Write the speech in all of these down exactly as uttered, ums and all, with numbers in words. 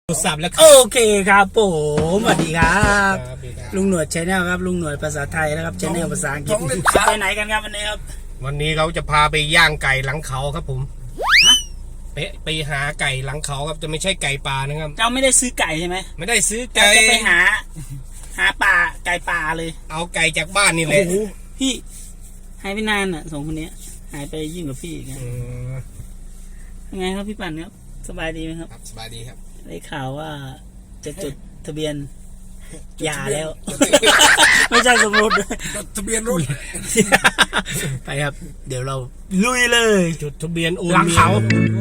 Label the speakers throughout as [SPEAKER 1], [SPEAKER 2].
[SPEAKER 1] สับแล้ว
[SPEAKER 2] โอเคครับผมสวัสดีครับลุงหนวดชแนลครับลุงหนวดภาษาไทยนะครับชแนลภาษาอังกฤษไปไหนกันครับวันนี้ครับ
[SPEAKER 1] วันนี้เขาจะพาไปย่างไก่หลังเขาครับผม
[SPEAKER 2] ฮะ
[SPEAKER 1] ไปไปหาไก่หลังเขาครับจะไม่ใช่ไก่ป่านะครับ
[SPEAKER 2] เจ้าไม่ได้ซื้อไก่ใช่ไหม
[SPEAKER 1] ไม่ได้ซื้อ
[SPEAKER 2] เจ้า
[SPEAKER 1] ไก่
[SPEAKER 2] จะไปหา หาป่าไก่ป่าเลย
[SPEAKER 1] เอาไก่จากบ้านนี่แหละ
[SPEAKER 2] โอ้โหพี่หายไปนานอ่ะสองคนนี้หายไปยิ่งกว่าพี่อีกนะ
[SPEAKER 1] อืม
[SPEAKER 2] ยังไงครับพี่ปั่นครับสบายดีไหมครับ
[SPEAKER 1] ครับสบายดีครับ
[SPEAKER 2] ได้ข่าวว่าจะจดทะเบียนหย่าแล้ว ไม่ใช่สมรส
[SPEAKER 1] ทะเบียนรถ
[SPEAKER 2] ไปครับ เดี๋ยวเราลุยเลย
[SPEAKER 1] จดทะเบียนโอน
[SPEAKER 2] หลังเขา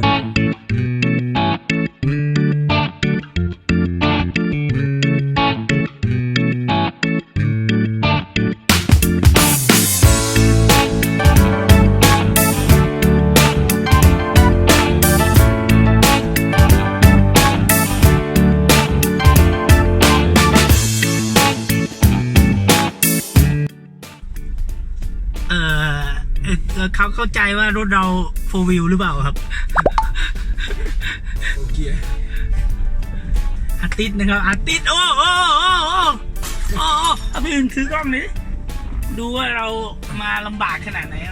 [SPEAKER 2] เออเขาเข้าใจว่ารถเราโฟร์วิวหรือเปล่าครับ
[SPEAKER 1] โอเค
[SPEAKER 2] อาร์ติสนะครับอาร์ติสโอ้โอ้โอ้โอ้โอ้เอาพี่อื่นถือกล้องนี้ดูว่าเรามาลำบากขนาดไหนครับ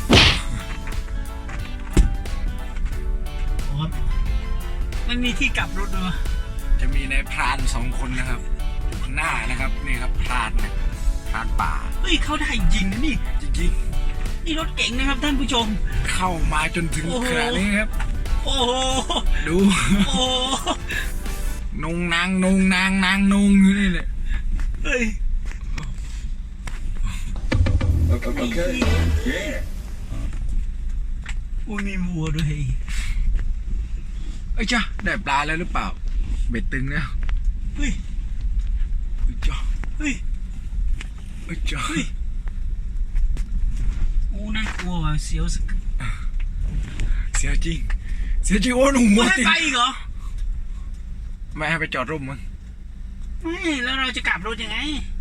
[SPEAKER 2] โอ้ไม่มีที่กลับรถเลย
[SPEAKER 3] จะมีนายพรานสองคนนะครับอยู่ข้างหน้านะครับนี่ครับพรานนะพรานป่า
[SPEAKER 2] เฮ้ยเขาได้จริงนะนี่
[SPEAKER 3] จริง
[SPEAKER 2] นี่รถเก๋งนะครับท่านผู้ชม
[SPEAKER 3] ๆเข้ามาจนถึง
[SPEAKER 2] โอ้โห
[SPEAKER 3] ขนาดนี้ครับ
[SPEAKER 2] โอ้โห
[SPEAKER 3] ดู
[SPEAKER 2] โอ้โห
[SPEAKER 3] นงนางนงนางนางนงอยู่นี่แหละ
[SPEAKER 2] เฮ้ยโอ้ยมีวัวด้วย
[SPEAKER 3] เอ้ยจ้าได้ปลาแล้วหรือเปล่าเบ็ดตึงแล้ว
[SPEAKER 2] เฮ้ย
[SPEAKER 3] เอ้ยจ้า
[SPEAKER 2] เฮ้ย
[SPEAKER 3] เอ้ยจ้า
[SPEAKER 2] เฮ้ยโอ้น่ากลัวว่ะเสียวสัก
[SPEAKER 3] เสียจริงเสียจริงโอ้หนู
[SPEAKER 2] ไม่
[SPEAKER 3] มา
[SPEAKER 2] ให้
[SPEAKER 3] ติด
[SPEAKER 2] ไปอีกเหรอ
[SPEAKER 3] ไม่ให้ไปจอดร่มมั้ง
[SPEAKER 2] ไม่แล้วเราจะกลับรถยังไง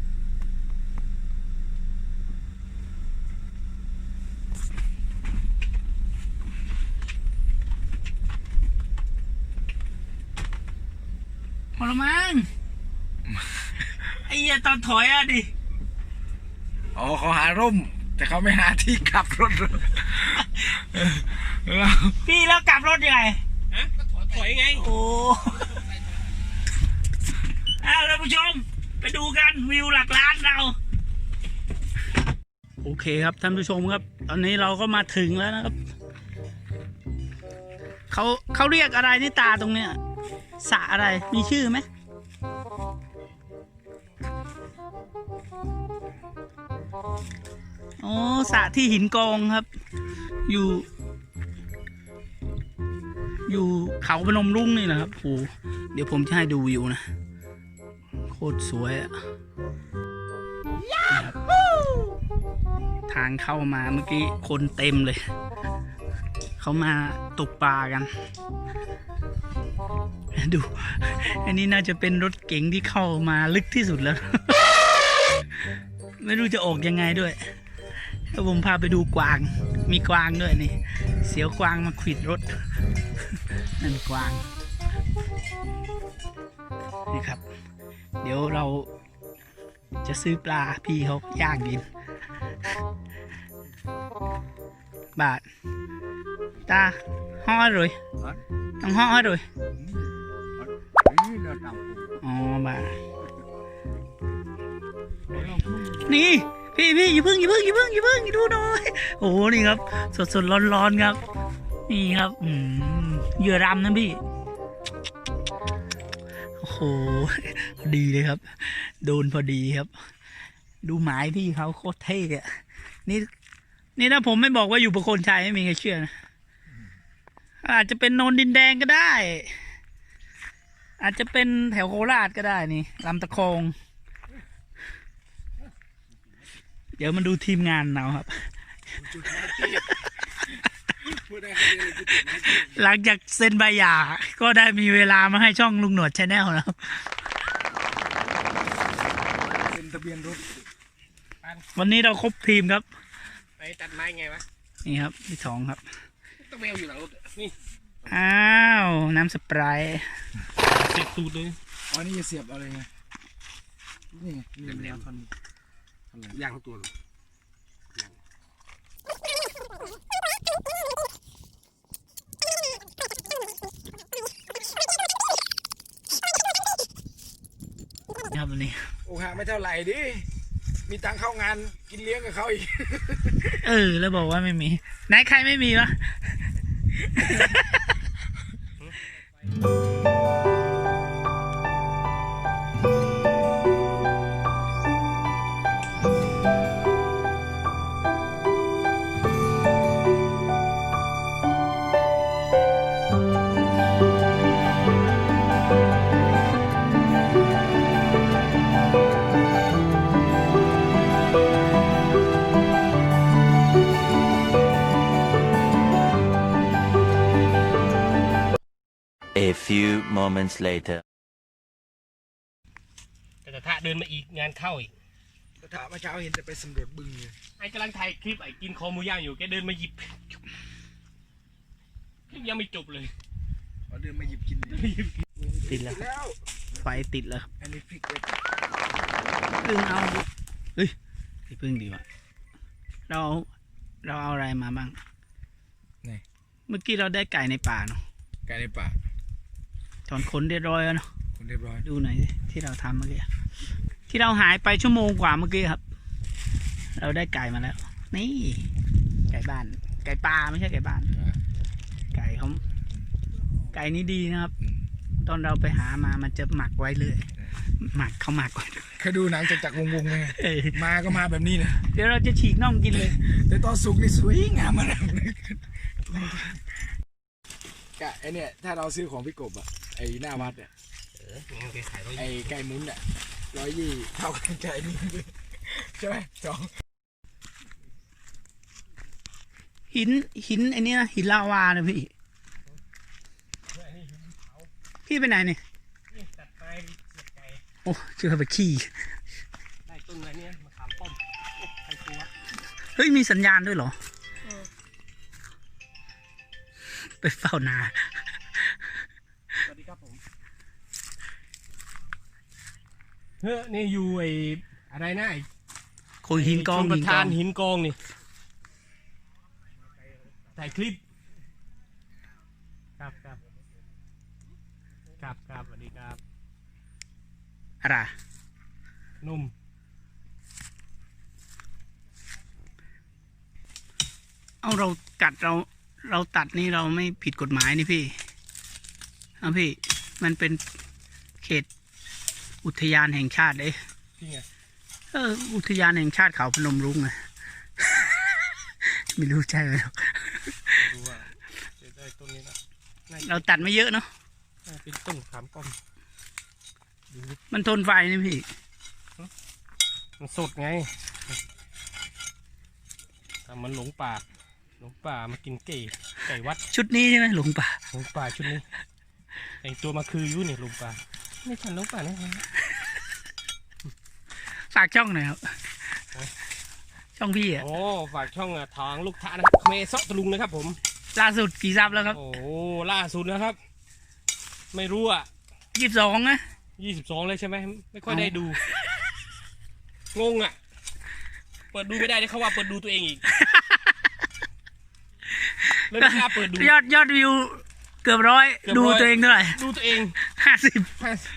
[SPEAKER 2] พอละมั้งไอ้เหี้ยตอนถอยอะดิ
[SPEAKER 3] อ๋อเขาหาร่ม แต่เขาไม่หาที่ขับรถเรา
[SPEAKER 2] พี่แล้วกลับรถยังไง
[SPEAKER 1] ฮะก็ถอยถอยไง
[SPEAKER 2] โอ้เอาท่านผู้ชมไปดูกันวิวหลักล้านเรา โอเคครับท่านผู้ชมครับ ตอนนี้เราก็มาถึงแล้วนะครับเขาเขาเรียกอะไรนี่ตาตรงเนี้ยสระอะไรมีชื่อไหมโอ้สระที่หินกองครับ อยู่ อยู่เขาพนมรุ้งนี่นะครับโอ้เดี๋ยวผมจะให้ดูวิวนะโคตรสวยอะนะครับทางเข้ามาเมื่อกี้คนเต็มเลย เขามาตกปลากัน ดู อันนี้น่าจะเป็นรถเก๋งที่เข้ามาลึกที่สุดแล้ว ไม่รู้จะออกยังไงด้วยถ้าผมพาไปดูกวาง มีกวางด้วยนี่ เสียวกวางมาขวิดรถ นั่นกวาง นี่ครับ เดี๋ยวเราจะซื้อปลาพี่เขาย่างกิน บาท ตาห่อเลยต้องห่อเลยอ๋อบาทนี่ พี่พี่อย่าเพิ่งอย่าเพิ่งอย่าเพิ่งอย่าเพิ่งดูหน่อยโอ้โหนี่ครับ สดสดร้อนร้อนครับ นี่ครับอืมเหยื่อรำนะพี่โอ้โหดีเลยครับ โดนพอดีครับ ดูหมายพี่เขาโคตรเท่อะนี่นี่ถ้าผมไม่บอกว่าอยู่ประโคนชัยไม่มีใครเชื่อนะอาจจะเป็นโนนดินแดงก็ได้ อาจจะเป็นแถวโคราชก็ได้นี่ลำตะคองเดี๋ยวมาดูทีมงานเราครับ หลังจากเซ็นใบหย่าก็ได้มีเวลามาให้ช่องลุงหนวดชาแนลแล้ว
[SPEAKER 3] เป็นทะเบียนรถ
[SPEAKER 2] วันนี้เราครบทีมครับ
[SPEAKER 1] ไปตัดไม้ไงวะ
[SPEAKER 2] นี่ครับที่สองครับ
[SPEAKER 1] ต้องแมวอยู่หลังรถนี่
[SPEAKER 2] อ้าว น้ำสไปร์
[SPEAKER 1] เสียบตูดเลย
[SPEAKER 3] อ๋อนี่จะเสียบอะไรไงนี่ไงนี่แหลมๆท่อนท่อนแหลม
[SPEAKER 1] ย่างทั้งตัวเลย
[SPEAKER 2] ครับวันนี้
[SPEAKER 3] โอ้ฮะไม่เท่าไหร่ดิมีตังค์เข้างานกินเลี้ยงกับเขาอีก
[SPEAKER 2] เออแล้วบอกว่าไม่มีไหนใครไม่มีวะ
[SPEAKER 4] A few moments later.
[SPEAKER 1] แต่กระทะเดินมาอีกงานเข้าอีก
[SPEAKER 3] กระถาเมื่อเช้าเห็นจะไปสำรวจบึงเลย
[SPEAKER 1] ไอ้กำลังถ่ายคลิปไอ้กินคอหมูย่างอยู่แกเดินมาหยิบคลิปยังไม่จบเลย
[SPEAKER 3] เอาเดินมาหยิบกินเลย
[SPEAKER 2] ติดแล้ว
[SPEAKER 3] แล้ว
[SPEAKER 2] ไฟติดแล้วครับ
[SPEAKER 3] อันนี้พริกเล็ก
[SPEAKER 2] พึ่งเอาเฮ้ยพี่พึ่งดีว่ะเราเอาเราเอาอะไรมาบ้าง
[SPEAKER 3] นี่
[SPEAKER 2] เมื่อกี้เราได้ไก่ในป่าเนาะ
[SPEAKER 3] ไก่ในป่า
[SPEAKER 2] ถอนขนเรียบร้อยแล้วเนาะ
[SPEAKER 3] คนเรียบร้อย
[SPEAKER 2] ดูหน่อยสิที่เราทำเมื่อกี้ที่เราหายไปชั่วโมงกว่าเมื่อกี้ครับ เราได้ไก่มาแล้ว นี่ ไก่บ้าน ไก่ป่าไม่ใช่ไก่บ้าน ไก่เขาไก่นี้ดีนะครับ ตอนเราไปหามามันจะหมักไว้เลย หมักเขาหมักไว้
[SPEAKER 3] เคยดูหนังจากจักรวงศ์ไหม
[SPEAKER 2] เออ
[SPEAKER 3] มาก็มาแบบนี้นะ
[SPEAKER 2] เดี๋ยวเราจะฉีกน่องกินเลย
[SPEAKER 3] แต่ตอนสุกนี่สวยงามมากเลยกะไอเนี่ยถ้าเราซื้อของพี่กบอะไอหน้าวัดอะ
[SPEAKER 1] เอองั้นแกขายร้อย
[SPEAKER 3] ไอไก่มุ้นอะร้อยยี่เท่ากันใจนี่ใช่ไหมจอง
[SPEAKER 2] หินหินไอ้นี่นะหินลาวานะพี่ พี่ไปไหนเนี่ย
[SPEAKER 1] นี่ตัดไม้เสียบไก่
[SPEAKER 2] โอ้เจอไปขี้
[SPEAKER 1] ได้ต้นอะไรเนี่ยมะขามป้อมโอ้ใครกลัว
[SPEAKER 2] เฮ้ยมีสัญญาณด้วยเหรอ ไปเฝ้านา
[SPEAKER 1] สวัสดีครับผมเฮ้ยนี่อยู่ไอ้อะไรนะไอ้
[SPEAKER 2] คุยหินกอง
[SPEAKER 1] ชลประ
[SPEAKER 2] หินก
[SPEAKER 1] ธา
[SPEAKER 2] อน ง
[SPEAKER 1] หินกองนี่ถ่ายคลิปครับครับครับครับสวัสดีครับ
[SPEAKER 2] อะไร
[SPEAKER 1] นุ่ม
[SPEAKER 2] เอาเรากัดเราเราตัดนี่เราไม่ผิดกฎหมายนี่พี่เอาพี่ มันเป็นเขตอุทยานแห่งชาติเลย
[SPEAKER 1] จริงไง
[SPEAKER 2] เอออุทยานแห่งชาติเขาพนมรุ้งไง ไม่รู้ใช่ไหมหรอก
[SPEAKER 1] ไม่รู้ว่าจะได้ต้นนี้นะน่าจะ
[SPEAKER 2] เราตัดไม่เยอะเนาะ
[SPEAKER 1] น่าจะเป็นต้นมะขามป้อมดูดิ
[SPEAKER 2] มันทนไฟนี่พี่
[SPEAKER 1] มันสดไงแต่มันหลงป่าหลงป่ามากินไก่ไก่วัด
[SPEAKER 2] ชุดนี้ใช่ไหมหลงป่า
[SPEAKER 1] หลงป่าชุดนี้แต่งตัวมาคืออยุ่นี่หลงป่าไม่ทันหลงป่าแน่
[SPEAKER 2] ฝากช่องหน่อยครับ ช่องพี่อะ
[SPEAKER 1] โอ้ฝากช่องอ่ะทางลูกท้านะครับเมซอกตะลุงนะครับผม
[SPEAKER 2] ล่าสุดกี่ซับแล้วครับ
[SPEAKER 1] โอ้ล่าสุดนะครับ ไม่รู้อ่ะ
[SPEAKER 2] ยี่สิบสองนะ
[SPEAKER 1] ยี่สิบสองเลยใช่ไหมไม่ค่อยได้ดู งงอ่ะ เปิดดูไม่ได้เลยเขาว่าเปิดดูตัวเองอีกเลยไม่กล้าเปิดดู
[SPEAKER 2] ยอดยอดวิวเกือบร้อย
[SPEAKER 1] เกือบร้
[SPEAKER 2] ดู
[SPEAKER 1] อย
[SPEAKER 2] ตัวเองเท่าไหร่
[SPEAKER 1] ดูตัวเอง
[SPEAKER 2] ห้าสิบ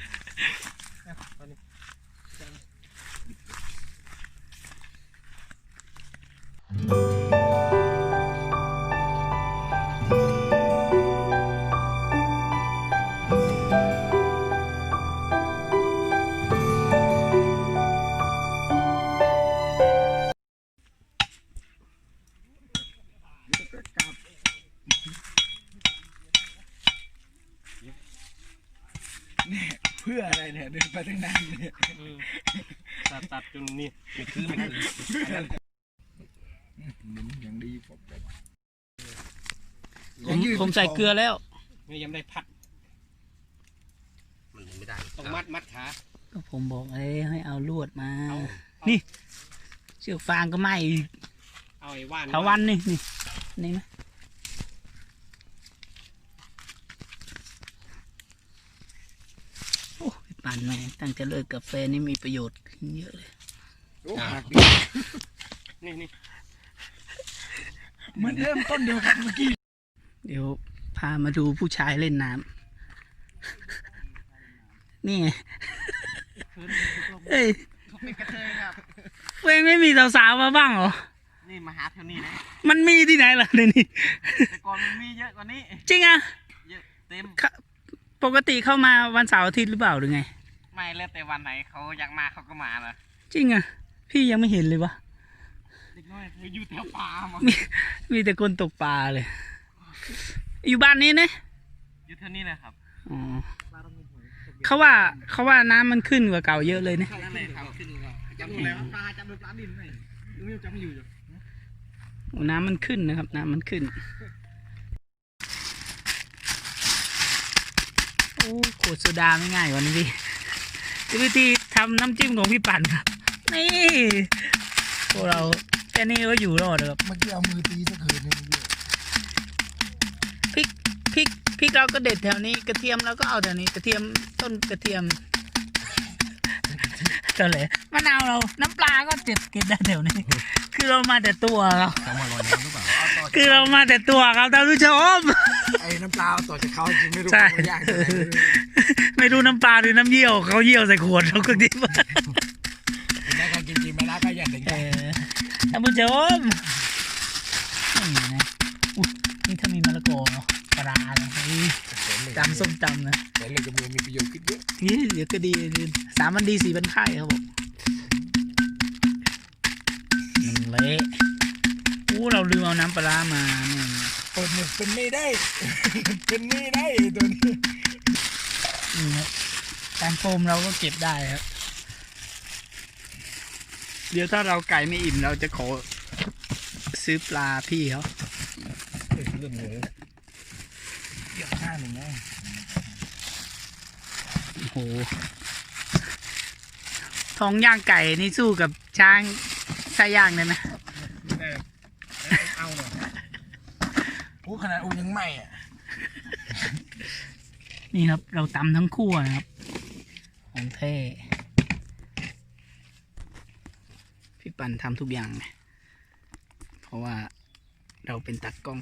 [SPEAKER 3] เนี่ยเพื่ออะไรเนี่ยเดินไปตั้งนานเนี่ย
[SPEAKER 1] ตัดตัดจนนี่ไม่คือไม่คือ
[SPEAKER 3] หมุนอย่างดีผมแบบ
[SPEAKER 2] ผมผมใส่เกลือแล้ว
[SPEAKER 1] นี่ยังไม่ได้พัด
[SPEAKER 5] มันไม่ได้
[SPEAKER 1] ต้องมัดมัดขา
[SPEAKER 2] ก็ผมบอกเอ้ยให้เอาลวดมา
[SPEAKER 1] เอา
[SPEAKER 2] นี่ เชือกฟางก็ไม่อีก
[SPEAKER 1] เอาไอ้ว่าน
[SPEAKER 2] ถาวันนี่นี่นี่ไหมอ้ยปั่นแม่งตั้งแต่เลิกกาแฟนี่มีประโยชน์ขึ้นเยอะเลย
[SPEAKER 3] โอ้หักดิ
[SPEAKER 1] นี่นี่
[SPEAKER 3] มันเริ่มต้นเดียวกันเมื่อกี้
[SPEAKER 2] เดี๋ยวพามาดูผู้ชายเล่นน้ำนี่ไงเอ้ย
[SPEAKER 5] เป็นกระเทยครับ
[SPEAKER 2] เว้ยไม่มีสาวๆมาบ้างเหรอ
[SPEAKER 5] นี่มาหาแถวนี้นะ
[SPEAKER 2] มันมีที่ไหนล่ะในนี้
[SPEAKER 5] แต่ก่อนมันมีเยอะกว่านี้
[SPEAKER 2] จริงอ่ะ
[SPEAKER 5] เยอะเต็ม
[SPEAKER 2] เข้าปกติเข้ามาวันเสาร์อาทิตย์หรือเปล่าหรือไง
[SPEAKER 5] ไม่แล้วแต่วันไหนเขาอยากมาเขาก็มาเลย
[SPEAKER 2] จริงอ่ะ พี่ยังไม่เห็นเลยวะ
[SPEAKER 5] เด็กน้อยคืออยู่แถวป่าหมด
[SPEAKER 2] มีมีแต่คนตกปลาเลย อยู่บ้านนี้นะ
[SPEAKER 5] อยู่แถวนี้นะครับ
[SPEAKER 2] อ๋อเขาว่าเขาว่าน้ำมันขึ้นกว่าเก่าเยอะเลยนะ
[SPEAKER 5] นั่นแหละครับขึ้นแล้วจำดูแล้วปลาจำดูปลาดินไหมยังจำอยู่อยู่
[SPEAKER 2] โอ้น้ำมันขึ้นนะครับ น้ำมันขึ้น โอ้ขวดโซดาไม่ง่ายกว่านี้พี่วิธีทำน้ำจิ้มของพี่ปั่นครับนี่พวกเราแค่นี้ก็อยู่รอดแล้วครับ
[SPEAKER 3] เมื่อกี้เอามือตีสักเขินหนึงเมื่อกี้
[SPEAKER 2] พริกพริกพริกเราก็เด็ดแถวนี้กระเทียมเราก็เอาแถวนี้กระเทียมต้นกระเทียมเท่าไหร่มะนาวเราน้ำปลาก็เจ็บเก็บได้แถวนี้ คือเรามาแต่ตัวเรา
[SPEAKER 3] จะมาลอยน้ำหรือเปล่าเอาต่อ
[SPEAKER 2] คือเรามาแต่ตัวครับท่านผู้ชม
[SPEAKER 3] ไอ้น้ำปลาเอาต่อจากเขาจริงไม่รู้
[SPEAKER 2] ใช่
[SPEAKER 3] มันยากยังไงไม่รู้
[SPEAKER 2] ไม่รู้น้ำปลาหรือน้ำเยี่ยวเขาเยี่ยวใส่ขวดเราก็ดิบ
[SPEAKER 3] กินได้ก็กินกินไม่ได้ก็อย่าดึง
[SPEAKER 2] เออท่านผู้ชมนี่นะอุ๊ยนี่ถ้ามีมะละกอเนาะปลาเนาะเฮ้ยตำส้มตำนะ
[SPEAKER 3] แต่เล่นกับมือมีประโยชน์ขึ้นเยอะ
[SPEAKER 2] นี่เดี๋ยวก็ดีสามวันดีสี่วันไข้ครับผมมันเละโอ้เราลืมเอาน้ำปลาร้ามาเนี่ย
[SPEAKER 3] เปิดหมึกเป็นไม่ได้ เป็นไม่ได้ตัวนี้
[SPEAKER 2] นี่ครับการโฟมเราก็เก็บได้ครับ เดี๋ยวถ้าเราไก่ไม่อิ่มเราจะขอซื้อปลาพี่เขา
[SPEAKER 3] เรื่องหมูเกี่ยวข้างหนึ่งนะ
[SPEAKER 2] โอ้โหท้องย่างไก่นี่สู้กับช้างใช้ย่างได้ไหม
[SPEAKER 3] เอาหน่อยโอ้ขนาดอูยังไหม่อ่ะ
[SPEAKER 2] นี่ครับ เราตำทั้งคู่นะครับของเท่พี่ปันทำทุกอย่างไงเพราะว่าเราเป็นตัดกล้อง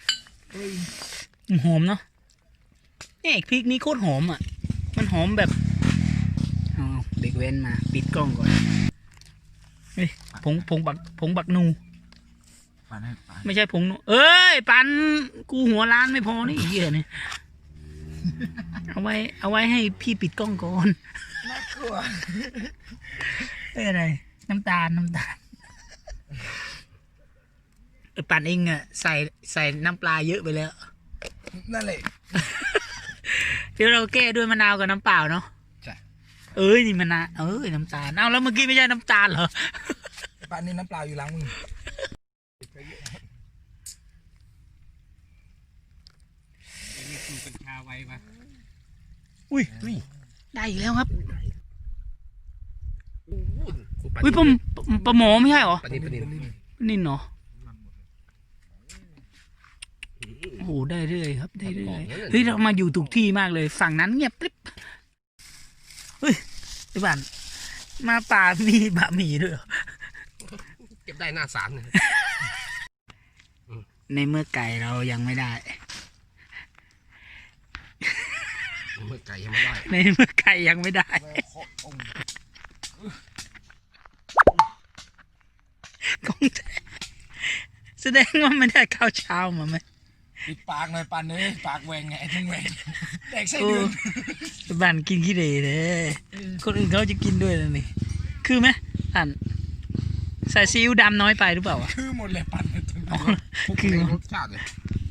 [SPEAKER 2] หอมเนาะนี่พริกนี้โคตรหอมอ่ะ มันหอมแบบอ๋อเด็กเว้นมาปิดกล้องก่อนเฮ้ยผงผงบักผงบักนู
[SPEAKER 3] ปานให้ปาน
[SPEAKER 2] ไม่ใช่ผงนูเอ้ยปันกูหัวล้านไม่พอนี่เหี้ยเนี่ยเอาไว้ เอาไว้ให้พี่ปิดกล้องก่อน
[SPEAKER 3] น่ากลัว
[SPEAKER 2] เอ้ยอะไร น้ำตาลน้ำตาลเออปั่นเองอะใส่ใส่น้ำปลาเยอะไปแล้ว
[SPEAKER 3] นั่นแหละ
[SPEAKER 2] เดี๋ยวเราแก้ด้วยมะนาวกับน้ำเปล่าเนาะ
[SPEAKER 3] ใช่
[SPEAKER 2] เอ้ยนี่มะนาวเอ้ยน้ำตาลเอาแล้วเมื่อกี้ไม่ใช่น้ำตาลเหรอ
[SPEAKER 3] ปานนี้น้ำเปล่าอยู่ล้างมือ
[SPEAKER 5] นี่คือเป็นชาไว้ปะ
[SPEAKER 2] อุ้ยได้อีกแล้วครับอุ้ยปลาปลาหมอไม่ใช่เหรอ
[SPEAKER 3] ปานนี้ปานนี้
[SPEAKER 2] นินเนาะโอ้โหได้เรื่อยครับได้เรื่อยเฮ้ยเรามาอยู่ถูกที่มากเลยฝั่งนั้นเงียบกริบเฮ้ยไอ้บ้านมาป่ามีบะหมี่ด้วยเหรอ
[SPEAKER 3] เก็บได้หน้าสามเลย
[SPEAKER 2] ในเมื่อไก่เรายังไม่ได้
[SPEAKER 3] เมื่อไก่ยังไม่ได้
[SPEAKER 2] ในเมื่อไก่ยังไม่ได้กองแท้แสดงว่าไม่ได้ข้าวเช้ามาไหม
[SPEAKER 3] ปิดปากหน่อยปันเลยปากแหวงไงทั้งแหวงแดกไส้
[SPEAKER 2] โอ้
[SPEAKER 3] เดือน
[SPEAKER 2] บ้านกินขี้เหร่เลยคนอื่นเขาจะกินด้วยนะนี่คือไหมอ่านใส่ซีอิ๊วดำน้อยไปหรือเปล่าวะ
[SPEAKER 3] คือหมดเลยปันเลยทั้ง
[SPEAKER 2] อ๋อ
[SPEAKER 3] คือ
[SPEAKER 2] คือ
[SPEAKER 3] รสชาติเลย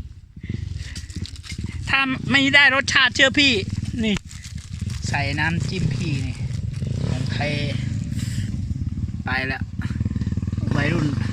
[SPEAKER 2] ถ้าไม่ได้รสชาติเชื่อพี่ นี่ ใส่น้ำจิ้มพี่นี่ของไทยไปแล้ววัยรุ่น